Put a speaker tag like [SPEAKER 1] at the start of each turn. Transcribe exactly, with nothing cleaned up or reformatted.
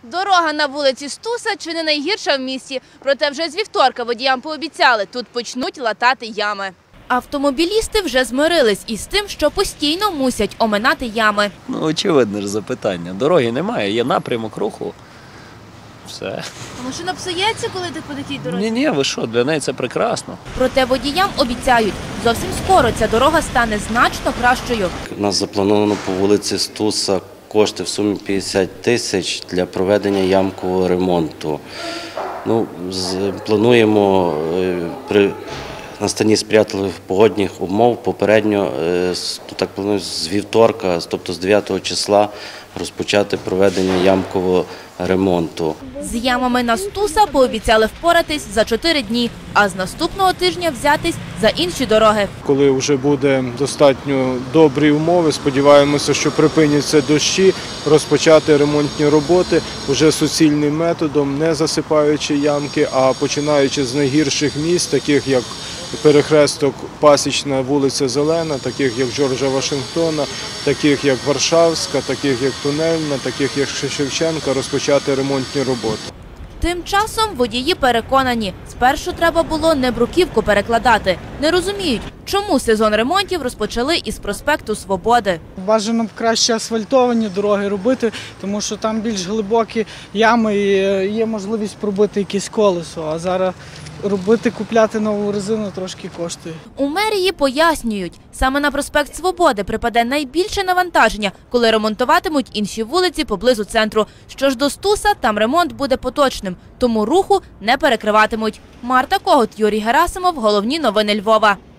[SPEAKER 1] Дорога на вулиці Стуса чи не найгірша в місті. Проте вже з вівторка водіям пообіцяли, тут почнуть латати ями. Автомобілісти вже змирились із тим, що постійно мусять оминати ями.
[SPEAKER 2] Ну, очевидне ж запитання. Дороги немає, є напрямок руху. Все.
[SPEAKER 1] А машина псується, коли ти по такій дорозі?
[SPEAKER 2] Ні-ні, ви що, для неї це прекрасно.
[SPEAKER 1] Проте водіям обіцяють, зовсім скоро ця дорога стане значно кращою.
[SPEAKER 3] У нас заплановано по вулиці Стуса кошти в сумі п'ятдесят тисяч для проведення ямкового ремонту. Ну, з- плануємо е, при настанні сприятливих погодних умов попередньо, е, з- так планую, з вівторка, тобто з дев'ятого числа, розпочати проведення ямкового ремонту.
[SPEAKER 1] З ямами на Стуса пообіцяли впоратись за чотири дні, а з наступного тижня взятись за інші дороги.
[SPEAKER 4] Коли вже буде достатньо добрі умови, сподіваємося, що припиняться дощі, розпочати ремонтні роботи вже суцільним методом, не засипаючи ямки, а починаючи з найгірших місць, таких як перехресток Пасічна, вулиця Зелена, таких як Джорджа Вашингтона, таких як Варшавська, таких як Тунельна, таких як Шевченка, розпочати ремонтні роботи.
[SPEAKER 1] Тим часом водії переконані, спершу треба було не бруківку перекладати. Не розуміють, чому сезон ремонтів розпочали із проспекту Свободи.
[SPEAKER 5] Бажано б краще асфальтовані дороги робити, тому що там більш глибокі ями і є можливість пробити якесь колесо, а зараз робити, купляти нову резину трошки коштує.
[SPEAKER 1] У мерії пояснюють, саме на проспект Свободи припаде найбільше навантаження, коли ремонтуватимуть інші вулиці поблизу центру. Що ж до Стуса, там ремонт буде поточним, тому руху не перекриватимуть. Марта Когут, Юрій Герасимов, головні новини Львова.